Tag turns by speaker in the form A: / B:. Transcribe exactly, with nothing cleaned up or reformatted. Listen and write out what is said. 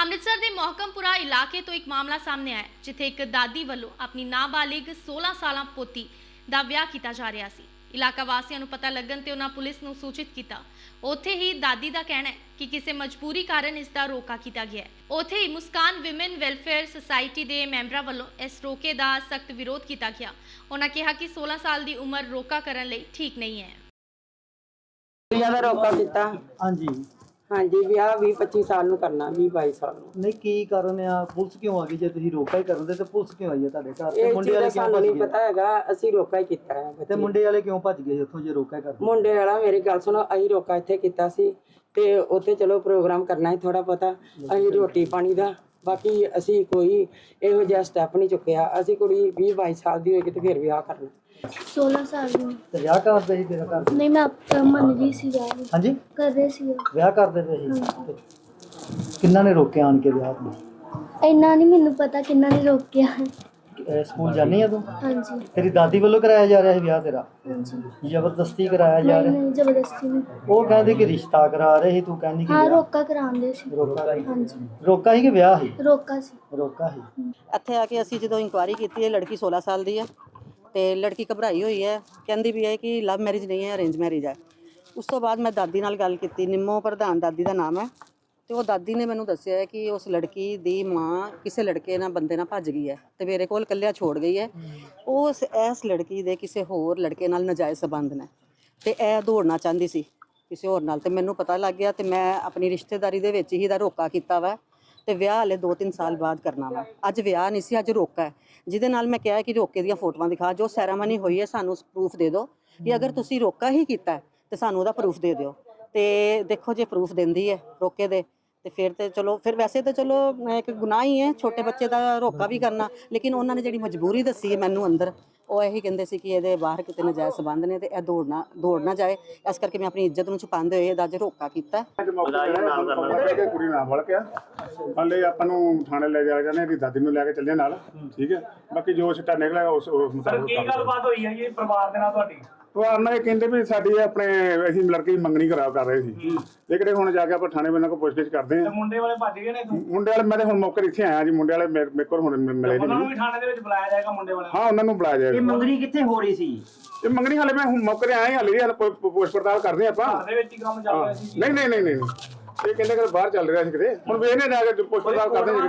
A: ਅੰਮ੍ਰਿਤਸਰ ਦੇ ਮੋਹਕਮਪੁਰਾ ਇਲਾਕੇ ਤੋਂ ਇੱਕ ਮਾਮਲਾ ਸਾਹਮਣੇ ਆਇਆ ਜਿੱਥੇ ਇੱਕ ਦਾਦੀ ਵੱਲੋਂ ਆਪਣੀ ਨਾਬਾਲਿਗ सोलह ਸਾਲਾਂ ਪੋਤੀ ਦਾ ਵਿਆਹ ਕੀਤਾ ਜਾ ਰਿਹਾ ਸੀ। ਇਲਾਕਾ ਵਾਸੀਆਂ ਨੂੰ ਪਤਾ ਲੱਗਣ ਤੇ ਉਹਨਾਂ ਪੁਲਿਸ ਨੂੰ ਸੂਚਿਤ ਕੀਤਾ। ਉੱਥੇ ਹੀ ਦਾਦੀ ਦਾ ਕਹਿਣਾ ਹੈ ਕਿ ਕਿਸੇ ਮਜਬੂਰੀ ਕਾਰਨ ਇਸ ਦਾ ਰੋਕਾ ਕੀਤਾ ਗਿਆ ਹੈ। ਉੱਥੇ ਹੀ ਮੁਸਕਾਨ ਵਿਮਨ ਵੈਲਫੇਅਰ ਸੁਸਾਇਟੀ ਦੇ ਮੈਂਬਰਾਂ ਵੱਲੋਂ ਇਸ ਰੋਕੇ ਦਾ ਸਖਤ ਵਿਰੋਧ ਕੀਤਾ ਗਿਆ। ਉਹਨਾਂ ਕਿਹਾ ਕਿ सोलह ਸਾਲ ਦੀ ਉਮਰ ਰੋਕਾ ਕਰਨ ਲਈ ਠੀਕ ਨਹੀਂ ਹੈ।
B: ਦਾ ਰੋਕਾ ਕੀਤਾ।
C: ਹਾਂਜੀ
B: ਹਾਂਜੀ ਵਿਆਹ ਵੀਹ ਪੱਚੀ ਸਾਲ ਨੂੰ ਕਰਨਾ, ਵੀਹ ਬਾਈ ਸਾਲ ਨੂੰ।
C: ਨਹੀਂ ਕੀ ਕਾਰਨ ਆ? ਪੁਲਿਸ ਕਿਉਂ ਆ ਗਈ? ਜੇ ਤੁਸੀਂ ਰੋਕਾ ਹੀ ਕਰਦੇ ਤੇ ਪੁਲਿਸ ਕਿਉਂ ਆਈ ਹੈ ਤੁਹਾਡੇ ਘਰ? ਤੇ
B: ਇਹ
C: ਮੁੰਡੇ
B: ਚੀਜ਼
C: ਵਾਲੇ
B: ਦਾ
C: ਕਿਉਂ
B: ਸਾਨੂੰ
C: ਭੱਜ
B: ਨਹੀਂ
C: ਗਏ?
B: ਪਤਾ ਹੈਗਾ, ਅਸੀਂ ਰੋਕਾ ਹੀ ਕੀਤਾ ਹੈ।
C: ਤੇ ਮੁੰਡੇ ਵਾਲੇ ਕਿਉਂ ਭੱਜ ਗਏ ਉੱਥੋਂ ਜੇ ਰੋਕਾ ਹੀ ਕਰਦੇ?
B: ਮੁੰਡੇ ਵਾਲਾ ਮੇਰੀ ਗੱਲ ਸੁਣੋ, ਅਸੀਂ ਰੋਕਾ ਇੱਥੇ ਕੀਤਾ ਸੀ ਤੇ ਉੱਥੇ ਚਲੋ ਪ੍ਰੋਗਰਾਮ ਕਰਨਾ ਹੈ ਥੋੜਾ ਪਤਾ, ਅਸੀਂ ਰੋਟੀ ਪਾਣੀ ਦਾ, ਬਾਕੀ ਅਸੀਂ ਕੋਈ ਇਹੋ ਜਿਹਾ ਸਟੈਪ ਨਹੀਂ ਚੁੱਕਿਆ। ਅਸੀਂ ਕੁੜੀ ਵੀਹ ਬਾਈ ਸਾਲ ਦੀ ਹੋਏਗੀ ਤੇ ਫਿਰ ਵਿਆਹ ਕਰਨਾ।
D: सोलह साल में
C: ਤੇ ਵਿਆਹ ਕਰਦੇ ਸੀ ਤੇਰਾ ਘਰ?
D: नहीं मैं अब मन रही सी जा रही
C: ਹਾਂਜੀ
D: कर रहे सी
C: ਵਿਆਹ ਕਰਦੇ ਪਏ ਸੀ ਤੇ ਕਿੰਨਾਂ ਨੇ ਰੋਕਿਆ ਆਣ ਕੇ ਵਿਆਹ ਨੂੰ?
D: इन्ना नहीं मैनू पता किन्ना ने रोकिया।
C: ਇਹ ਸਕੂਲ ਜਾਣੀ ਆ ਤੂੰ?
D: हाँ जी
C: ਤੇਰੀ ਦਾਦੀ ਵੱਲੋਂ ਕਰਾਇਆ ਜਾ ਰਿਹਾ ਸੀ ਵਿਆਹ ਤੇਰਾ?
D: हाँ जी
C: ਜ਼ਬਰਦਸਤੀ ਕਰਾਇਆ ਜਾ
D: नहीं
C: ਰਿਹਾ?
D: नहीं जबरदस्ती नहीं।
C: ਉਹ ਕਹਿੰਦੇ ਕਿ ਰਿਸ਼ਤਾ ਕਰਾ ਰਹੇ ਸੀ, ਤੂੰ ਕਹਿੰਦੀ ਕਿ
D: हाँ
C: ਵਿਆਹ।
D: रोका करांदे सी।
C: ਰੋਕਾ ਸੀ?
D: हाँ जी
C: ਰੋਕਾ ਸੀ ਕਿ ਵਿਆਹ ਸੀ?
D: रोका सी।
C: ਰੋਕਾ ਸੀ।
E: ਇੱਥੇ ਆ ਕੇ ਅਸੀਂ ਜਦੋਂ ਇਨਕੁਆਇਰੀ ਕੀਤੀ ਹੈ, ਲੜਕੀ सोलह ਸਾਲ ਦੀ ਹੈ ਤੇ ਲੜਕੀ ਘਬਰਾਈ ਹੋਈ ਹੈ, ਕਹਿੰਦੀ ਵੀ ਹੈ ਕਿ ਲਵ ਮੈਰਿਜ ਨਹੀਂ ਹੈ, ਅਰੇਂਜ ਮੈਰਿਜ ਹੈ। ਉਸ ਤੋਂ ਬਾਅਦ ਮੈਂ ਦਾਦੀ ਨਾਲ ਗੱਲ ਕੀਤੀ, ਨਿੰਮੋ ਪ੍ਰਧਾਨ ਦਾਦੀ ਦਾ ਨਾਮ ਹੈ, ਤੇ ਉਹ ਦਾਦੀ ਨੇ ਮੈਨੂੰ ਦੱਸਿਆ ਹੈ ਕਿ ਉਸ ਲੜਕੀ ਦੀ ਮਾਂ ਕਿਸੇ ਲੜਕੇ ਨਾਲ ਬੰਦੇ ਨਾਲ ਭੱਜ ਗਈ ਹੈ ਤੇ ਮੇਰੇ ਕੋਲ ਇਕੱਲਿਆ ਛੋੜ ਗਈ ਹੈ। ਉਸ ਇਸ ਲੜਕੀ ਦੇ ਕਿਸੇ ਹੋਰ ਲੜਕੇ ਨਾਲ ਨਾਜਾਇਜ਼ ਸੰਬੰਧ ਨੇ ਤੇ ਇਹ ਦੌੜਨਾ ਚਾਹੁੰਦੀ ਸੀ ਕਿਸੇ ਹੋਰ ਨਾਲ, ਤੇ ਮੈਨੂੰ ਪਤਾ ਲੱਗ ਗਿਆ ਤੇ ਮੈਂ ਆਪਣੀ ਰਿਸ਼ਤੇਦਾਰੀ ਦੇ ਵਿੱਚ ਹੀ ਦਾ ਰੋਕਾ ਕੀਤਾ ਵਾ ਤੇ ਵਿਆਹ ਹਲੇ ਦੋ ਤਿੰਨ ਸਾਲ ਬਾਅਦ ਕਰਨਾ ਵਾ। ਅੱਜ ਵਿਆਹ ਨਹੀਂ ਸੀ, ਅੱਜ ਰੋਕਾ ਹੈ, ਜਿਹਦੇ ਨਾਲ ਮੈਂ ਕਿਹਾ ਕਿ ਰੋਕੇ ਦੀਆਂ ਫੋਟੋਆਂ ਦਿਖਾ, ਜੋ ਸੈਰਾਮਨੀ ਹੋਈ ਹੈ ਸਾਨੂੰ ਪ੍ਰੂਫ ਦੇ ਦਿਓ ਕਿ ਅਗਰ ਤੁਸੀਂ ਰੋਕਾ ਹੀ ਕੀਤਾ ਤੇ ਸਾਨੂੰ ਉਹਦਾ ਪ੍ਰੂਫ ਦੇ ਦਿਓ। ਤੇ ਦੇਖੋ ਜੇ ਪ੍ਰੂਫ ਦਿੰਦੀ ਹੈ ਰੋਕੇ ਦੇ ਤੇ ਫਿਰ ਤੇ ਚਲੋ, ਫਿਰ ਵੈਸੇ ਤਾਂ ਚਲੋ ਇੱਕ ਗੁਨਾਹ ਹੀ ਹੈ ਛੋਟੇ ਬੱਚੇ ਦਾ ਰੋਕਾ ਵੀ ਕਰਨਾ, ਲੇਕਿਨ ਉਹਨਾਂ ਨੇ ਜਿਹੜੀ ਮਜਬੂਰੀ ਦੱਸੀ ਹੈ ਮੈਨੂੰ ਅੰਦਰ, ਉਹ ਇਹੀ ਕਹਿੰਦੇ ਸੀ ਕਿ ਇਹਦੇ ਬਾਹਰ ਕਿਤੇ ਨਜਾਇਜ਼ ਸੰਬੰਧ ਨੇ ਤੇ ਇਹ ਦੌੜਨਾ ਦੌੜ ਨਾ ਜਾਏ, ਇਸ ਕਰਕੇ ਮੈਂ ਆਪਣੀ ਇੱਜ਼ਤ ਨੂੰ ਛੁਪਾਉਂਦੇ ਹੋਏ ਇਹਦਾ ਅੱਜ ਰੋਕਾ ਕੀਤਾ।
F: ਕੁੜੀ ਨਾਲ ਵੜ ਕੇ ਹਲੇ ਆਪਾਂ ਨੂੰ ਥਾਣੇ ਲੈ ਜਾ ਜਾਂਦੇ, ਇਹਦੀ ਦਾਦੀ ਨੂੰ ਲੈ ਕੇ ਚੱਲੇ ਨਾਲ, ਠੀਕ ਹੈ। ਬਾਕੀ ਜੋ ਸਿੱਟਾ ਨਿਕਲਿਆ ਉਸ ਉਸ ਮੁਤਾਬਕ
G: ਕੀ ਗੱਲਬਾਤ ਹੋਈ ਹੈ ਜੀ ਪਰਿਵਾਰ ਦੇ ਨਾਲ ਤੁਹਾਡੀ?
F: ਪਰਿਵਾਰ ਨਾਲ ਇਹ ਕਹਿੰਦੇ ਵੀ ਸਾਡੀ ਆਪਣੇ ਅਸੀਂ ਲੜਕੀ ਦੀ ਮੰਗਣੀ ਕਰਾ ਕਰ ਰਹੇ ਸੀ, ਇਹ ਕਿਹੜੇ ਹੁਣ ਜਾ ਕੇ ਆਪਾਂ ਥਾਣੇ ਬੰਨਾਂ ਕੋਲ ਪੁੱਛਗਿੱਛ ਕਰਦੇ
G: ਤੇ
F: ਹਾਂ।
G: ਮੁੰਡੇ ਵਾਲੇ ਭੱਜ ਗਏ ਨੇ ਇੱਥੋਂ?
F: ਮੁੰਡੇ ਵਾਲੇ ਮੈਂ ਤੇ ਹੁਣ ਮੌਕੇ ਇੱਥੇ ਆਇਆ ਜੀ, ਮੁੰਡੇ ਵਾਲੇ ਮੇਰੇ ਮੇਰੇ ਕੋਲ ਹੁਣ ਮਿਲੇ
G: ਉਹਨਾਂ ਨੂੰ
F: ਨਹੀਂ।
G: ਵੀ ਥਾਣੇ ਦੇ ਵਿੱਚ ਬੁਲਾਇਆ ਜਾਏਗਾ ਮੁੰਡੇ ਵਾਲਿਆਂ ਨੂੰ?
F: ਹਾਂ ਉਹਨਾਂ ਨੂੰ ਬੁਲਾਇਆ ਜਾਏਗਾ।
C: ਮੰਗਣੀ ਕਿੱਥੇ ਹੋ ਰਹੀ ਸੀ?
F: ਇਹ ਮੰਗਣੀ ਹਾਲੇ ਮੈਂ ਹੁਣ ਮੌਕੇ ਤੇ ਆਇਆ ਹੀ, ਹਾਲੇ ਹਾਲੇ ਪੁੱਛ ਪੜਤਾਲ ਕਰਦੇ ਆਪਾਂ।
G: ਘਰ ਦੇ ਵਿੱਚ ਹੀ ਕੰਮ ਚੱਲ ਰਿਹਾ ਸੀ?
F: ਨਹੀਂ ਨਹੀਂ ਨਹੀਂ ਨਹੀਂ ਇਹ ਕਹਿੰਦੇ ਕਿ ਬਾਹਰ ਚੱਲ ਰਿਹਾ ਸੀ ਕਿਤੇ, ਹੁਣ ਵੇਖਨੇ ਜਾ ਕੇ ਪੁੱਛ ਪੜਤਾਲ ਕਰਦੇ ਹਾਂ।